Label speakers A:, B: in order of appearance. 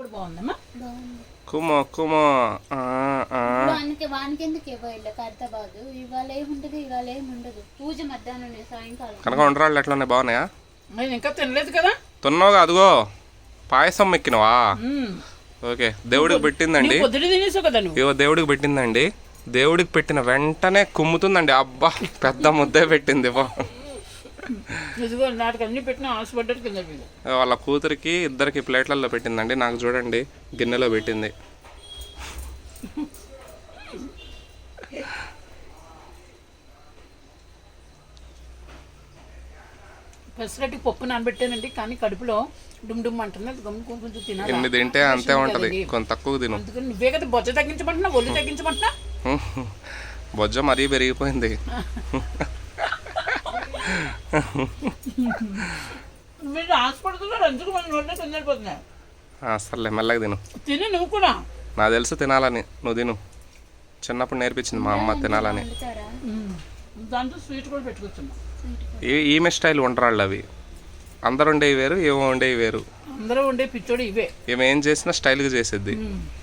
A: కూడా బాగుందమ్మా.
B: కుమో కుమో
C: వానికి ఎందుకు ఇవ్వాలి ఖైరతాబాదు ఇవాళ ఏముంటది ఇవాళ ఏముండదు పూజ మధ్యాహ్నం సాయంకాలం
B: కనుక వంటరాళ్ళు ఎట్లా ఉన్నాయి బాగున్నాయా?
A: నేను ఇంకా తినలేదు కదా.
B: తిన్నావుగా అదిగో పాయసం ఎక్కినవా? ఓకే దేవుడికి పెట్టిందండి.
A: పొద్దున తినేసావు కదా నువ్వు.
B: ఇవో దేవుడికి పెట్టిందండి. దేవుడికి పెట్టిన వెంటనే కుమ్ముతుందండి. అబ్బా పెద్ద ముద్దే పెట్టింది.
A: ఇదిగో నాటికి అన్ని పెట్టిన ఆశపడ్డట్టు కింద
B: వాళ్ళ కూతురికి ఇద్దరికి ప్లేట్లలో పెట్టిందండి. నాకు చూడండి గిన్నెలో పెట్టింది.
A: పెసరట్టి పప్పు నానబెట్టానండి కానీ కడుపులో డుమ్ డుమ్ అంటుంది. అది గమ్ము కొంచెం తినాలి.
B: ఎన్ని తింటే అంతే ఉంటది, కొంత తక్కువ తిను.
A: అందుకని నువ్వే కదా బొజ్జ తగ్గించమంటున్నా, ఒళ్ళు తగ్గించమంటున్నా.
B: బొజ్జ మరీ పెరిగిపోయింది.
A: మీరు ఆశపడుతున్నారు అందుకు మన నోట్లో తొందరపోతున్నాయి.
B: అసలే మెల్లగా తిను.
A: తిని నువ్వు కూడా.
B: నాకు తెలుసు తినాలని, నువ్వు తిను. చిన్నప్పుడు నేర్పించింది మా అమ్మ తినాలని.
A: దాంతో స్వీట్ కూడా పెట్టుకొచ్చున్నా.
B: ఈమె స్టైల్ వంటరాళ్ళు అవి. అందరు ఉండేవి వేరు, ఏమో ఉండేవి వేరు.
A: అందరూ ఉండే పిచ్చోడు ఇవే.
B: ఏమేం చేసినా స్టైల్గా చేసేది.